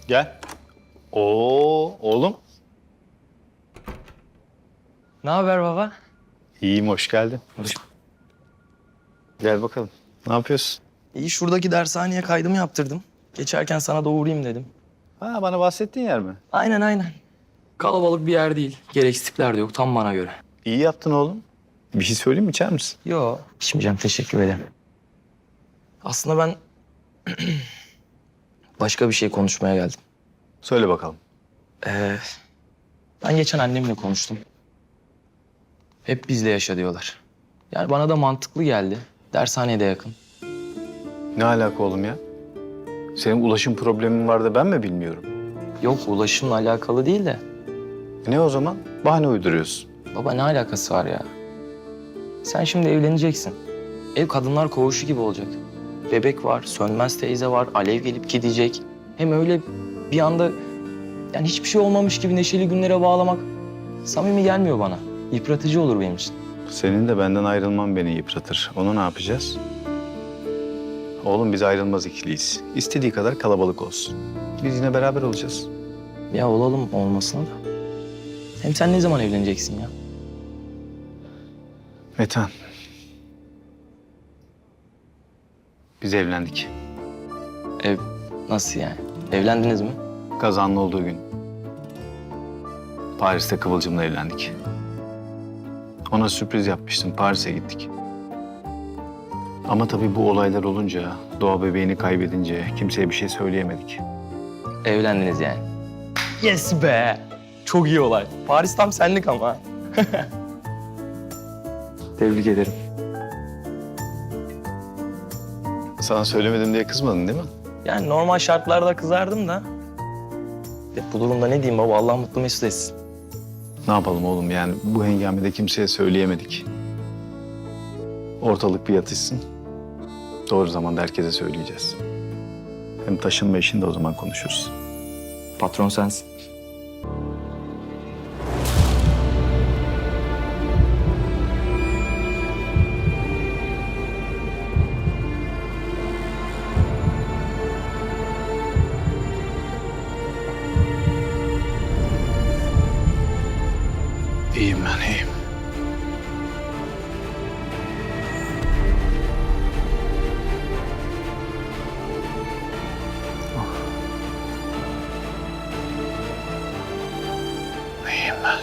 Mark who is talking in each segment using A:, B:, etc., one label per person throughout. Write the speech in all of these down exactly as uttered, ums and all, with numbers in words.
A: Gel. Oo oğlum.
B: Ne haber baba?
A: İyiyim, hoş geldin. Gel bakalım. Ne yapıyorsun?
B: İyi, şuradaki dershaneye kaydımı yaptırdım. Geçerken sana da uğrayayım dedim.
A: Ha, bana bahsettiğin yer mi?
B: Aynen aynen. Kalabalık bir yer değil. Gereksiz tipler de yok, tam bana göre.
A: İyi yaptın oğlum. Bir şey söyleyeyim mi, içer misin?
B: Yo, içmeyeceğim, teşekkür ederim. Aslında ben başka bir şey konuşmaya geldim.
A: Söyle bakalım.
B: Ee, ben geçen annemle konuştum. Hep bizle yaşa diyorlar. Yani bana da mantıklı geldi. Dershaneye de yakın.
A: Ne alaka oğlum ya? Senin ulaşım problemin var da ben mi bilmiyorum?
B: Yok, ulaşımla alakalı değil de.
A: Ne o zaman? Bahane uyduruyorsun.
B: Baba ne alakası var ya? Sen şimdi evleneceksin. Ev kadınlar koğuşu gibi olacak. Bebek var, Sönmez teyze var, Alev gelip gidecek. Hem öyle bir anda yani hiçbir şey olmamış gibi neşeli günlere bağlamak samimi gelmiyor bana. Yıpratıcı olur benim için.
A: Senin de benden ayrılman beni yıpratır. Onu ne yapacağız? Oğlum biz ayrılmaz ikiliyiz. İstediği kadar kalabalık olsun. Biz yine beraber olacağız.
B: Ya olalım olmasına da. Hem sen ne zaman evleneceksin ya?
A: Metan. Biz evlendik.
B: Ev nasıl yani? Evlendiniz mi?
A: Kazanlı olduğu gün. Paris'te Kıvılcım'la evlendik. Ona sürpriz yapmıştım. Paris'e gittik. Ama tabii bu olaylar olunca, Doğa bebeğini kaybedince kimseye bir şey söyleyemedik.
B: Evlendiniz yani. Yes be! Çok iyi olay. Paris tam senlik ama. Tebrik ederim.
A: Sana söylemedim diye kızmadın değil mi?
B: Yani normal şartlarda kızardım da. Ya bu durumda ne diyeyim baba, Allah mutlu mesut etsin.
A: Ne yapalım oğlum, yani bu hengamede kimseye söyleyemedik. Ortalık bir yatışsın. Doğru zamanda herkese söyleyeceğiz. Hem taşınma işini de o zaman konuşuruz.
B: Patron sensin.
A: İyiyim ben, iyiyim. İyiyim ben.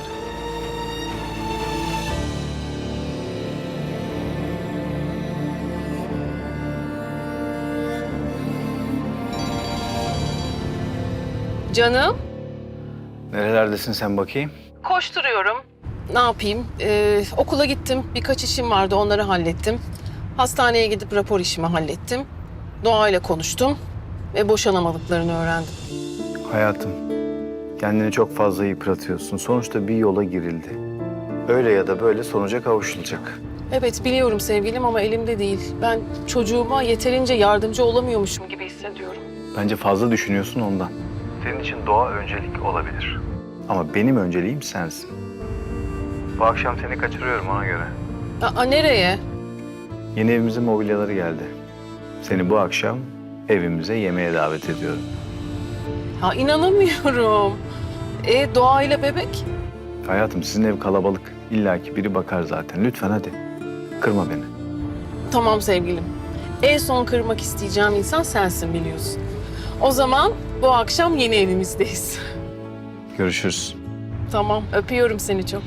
C: Canım,
A: Nerelerdesin sen bakayım?
C: koşturuyorum. Ne yapayım? Ee, okula gittim. Birkaç işim vardı, onları hallettim. Hastaneye gidip rapor işimi hallettim. Doğayla konuştum ve boşanamadıklarını öğrendim.
A: Hayatım, kendini çok fazla yıpratıyorsun. Sonuçta bir yola girildi. Öyle ya da böyle sonuca kavuşulacak.
C: Evet, biliyorum sevgilim ama elimde değil. Ben çocuğuma yeterince yardımcı olamıyormuşum gibi hissediyorum.
A: Bence fazla düşünüyorsun ondan. Senin için doğa öncelik olabilir. Ama benim önceliğim sensin. Bu akşam seni kaçırıyorum ona göre.
C: Aa, nereye?
A: Yeni evimizin mobilyaları geldi. Seni bu akşam evimize yemeğe davet ediyorum.
C: Ha, inanamıyorum. E, doğayla bebek?
A: Hayatım, sizin ev kalabalık. İlla ki biri bakar zaten. Lütfen hadi. Kırma beni.
C: Tamam sevgilim. En son kırmak isteyeceğim insan sensin biliyorsun. O zaman bu akşam yeni evimizdeyiz.
A: Görüşürüz.
C: Tamam, öpüyorum seni çok.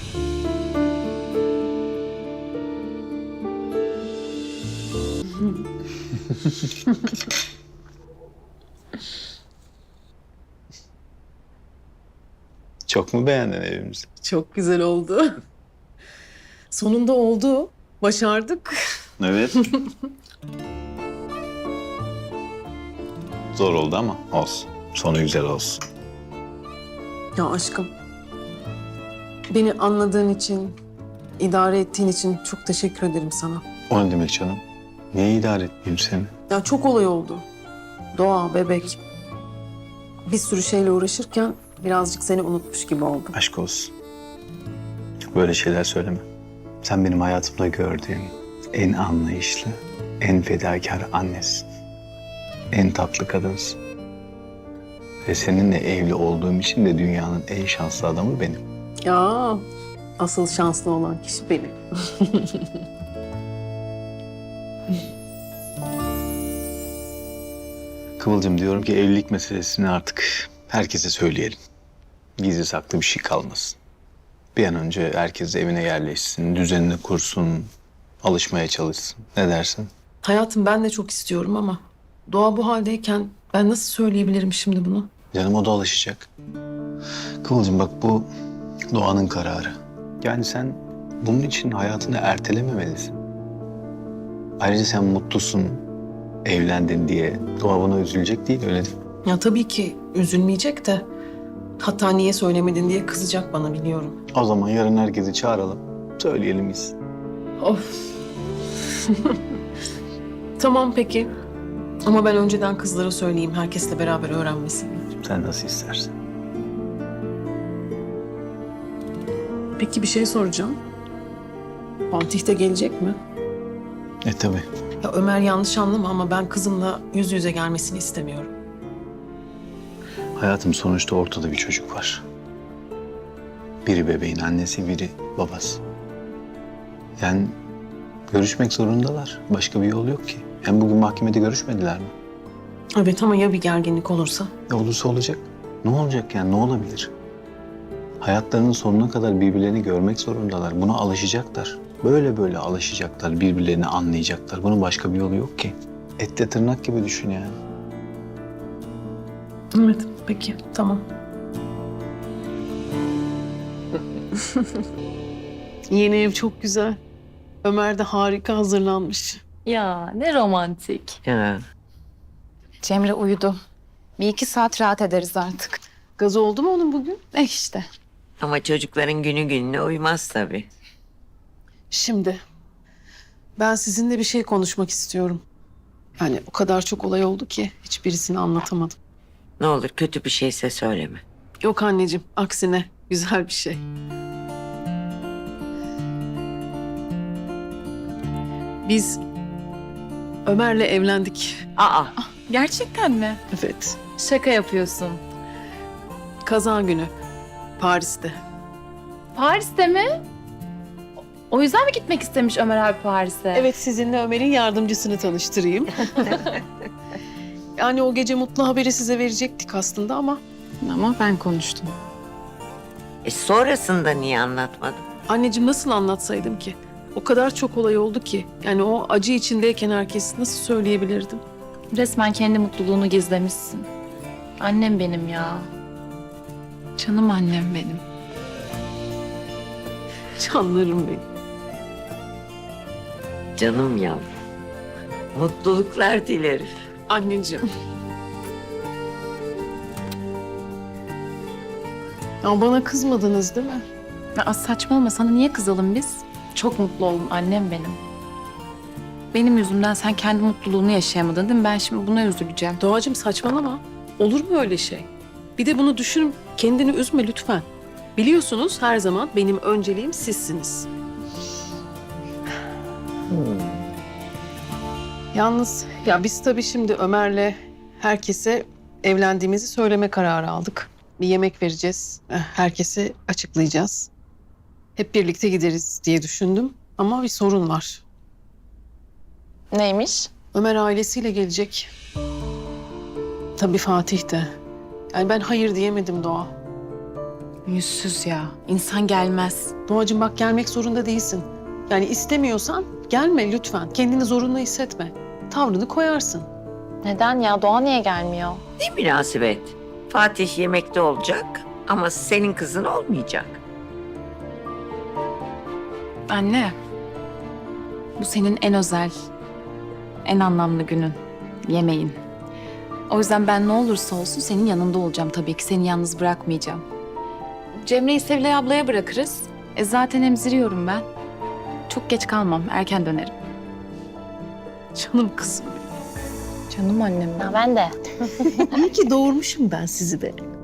A: Çok mu beğendin evimizi?
D: Çok güzel oldu. Sonunda oldu. Başardık.
E: Evet. Zor oldu ama olsun. Sonu güzel olsun.
D: Ya aşkım. Beni anladığın için, idare ettiğin için çok teşekkür ederim sana.
E: O ne demek canım? Niye idare etmeyeyim seni?
D: Ya çok olay oldu. Doğa, bebek. Bir sürü şeyle uğraşırken birazcık seni unutmuş gibi oldum.
E: Aşk olsun. Böyle şeyler söyleme. Sen benim hayatımda gördüğüm en anlayışlı, en fedakar annesin. En tatlı kadınsın. Ve seninle evli olduğum için de dünyanın en şanslı adamı benim.
D: Ya asıl şanslı olan kişi benim.
E: Kıvılcım, diyorum ki evlilik meselesini artık herkese söyleyelim. Gizli saklı bir şey kalmasın. Bir an önce herkes evine yerleşsin, düzenini kursun, alışmaya çalışsın. Ne dersin?
D: Hayatım ben de çok istiyorum ama Doğa bu haldeyken ben nasıl söyleyebilirim şimdi bunu?
E: Canım, o da alışacak. Kıvılcım bak, bu Doğan'ın kararı. Yani sen bunun için hayatını ertelememelisin. Ayrıca sen mutlusun, evlendin diye. Doğa buna üzülecek değil, öyle değil mi?
D: Ya tabii ki üzülmeyecek de hatta niye söylemedin diye kızacak bana, biliyorum.
E: O zaman yarın herkesi çağıralım, söyleyelim biz.
D: Of. Tamam peki. Ama ben önceden kızlara söyleyeyim, herkesle beraber öğrenmesin.
E: Sen nasıl istersen.
D: Peki bir şey soracağım. Fatih de gelecek mi?
E: E tabii.
D: Ya Ömer, yanlış anlama ama ben kızımla yüz yüze gelmesini istemiyorum.
E: Hayatım, sonuçta ortada bir çocuk var. Biri bebeğin annesi, biri babası. Yani görüşmek zorundalar. Başka bir yol yok ki. Hem bugün mahkemede görüşmediler mi?
D: Evet ama ya bir gerginlik olursa?
E: E olursa olacak. Ne olacak yani, ne olabilir? Hayatlarının sonuna kadar birbirlerini görmek zorundalar. Buna alışacaklar. Böyle böyle alışacaklar, birbirlerini anlayacaklar. Bunun başka bir yolu yok ki. Etle tırnak gibi düşün yani.
D: Evet, peki, tamam. Yeni ev çok güzel. Ömer de harika hazırlanmış.
F: Ya ne romantik.
G: Ya.
F: Cemre uyudu. Bir iki saat rahat ederiz artık.
D: Gaz oldu mu onun bugün?
F: Eh işte.
G: Ama çocukların günü gününe uymaz tabii.
D: Şimdi ben sizinle bir şey konuşmak istiyorum. Yani o kadar çok olay oldu ki hiçbirisini anlatamadım.
G: Ne olur kötü bir şeyse söyleme.
D: Yok anneciğim, aksine güzel bir şey. Biz Ömer'le evlendik.
G: Aa,
F: Gerçekten mi?
D: Evet.
F: Şaka yapıyorsun.
D: Kaza günü Paris'te.
F: Paris'te mi? O yüzden mi gitmek istemiş Ömer abi Paris'e?
D: Evet, sizinle Ömer'in yardımcısını tanıştırayım. Yani o gece mutlu haberi size verecektik aslında ama...
F: Ama ben konuştum.
G: e sonrasında niye anlatmadın?
D: Anneciğim, nasıl anlatsaydım ki? O kadar çok olay oldu ki. Yani o acı içindeyken herkes nasıl söyleyebilirdim?
F: Resmen kendi mutluluğunu gizlemişsin. Annem benim ya. Canım annem benim.
D: Canlarım benim.
G: Canım yavrum. Mutluluklar dilerim.
D: Anneciğim. Ya bana kızmadınız değil mi?
F: Ya saçmalama, sana niye kızalım biz? Çok mutlu oldum, annem benim. Benim yüzümden sen kendi mutluluğunu yaşayamadın değil mi? Ben şimdi buna üzüleceğim.
D: Doğacığım, saçmalama. Olur mu öyle şey? Bir de bunu düşün, kendini üzme lütfen. Biliyorsunuz her zaman benim önceliğim sizsiniz. Yalnız ya biz tabii şimdi Ömer'le herkese evlendiğimizi söyleme kararı aldık. Bir yemek vereceğiz, eh, herkese açıklayacağız. Hep birlikte gideriz diye düşündüm ama bir sorun var.
F: Neymiş?
D: Ömer ailesiyle gelecek. Tabii Fatih de. Yani ben hayır diyemedim Doğa.
F: Yüzsüz ya. İnsan gelmez.
D: Doğacığım bak, gelmek zorunda değilsin. Yani istemiyorsan gelme lütfen. Kendini zorunlu hissetme. Tavrını koyarsın.
F: Neden ya? Doğa niye gelmiyor?
G: Ne münasebet. Fatih yemekte olacak ama senin kızın olmayacak.
F: Anne. Bu senin en özel, en anlamlı günün. Yemeğin. O yüzden ben ne olursa olsun senin yanında olacağım tabii ki. Seni yalnız bırakmayacağım. Cemre'yi Sevilay ablaya bırakırız. E zaten emziriyorum ben. Çok geç kalmam. Erken dönerim.
D: Canım kızım.
F: Canım annem.
H: Ben de.
D: İyi ki doğurmuşum ben sizi de.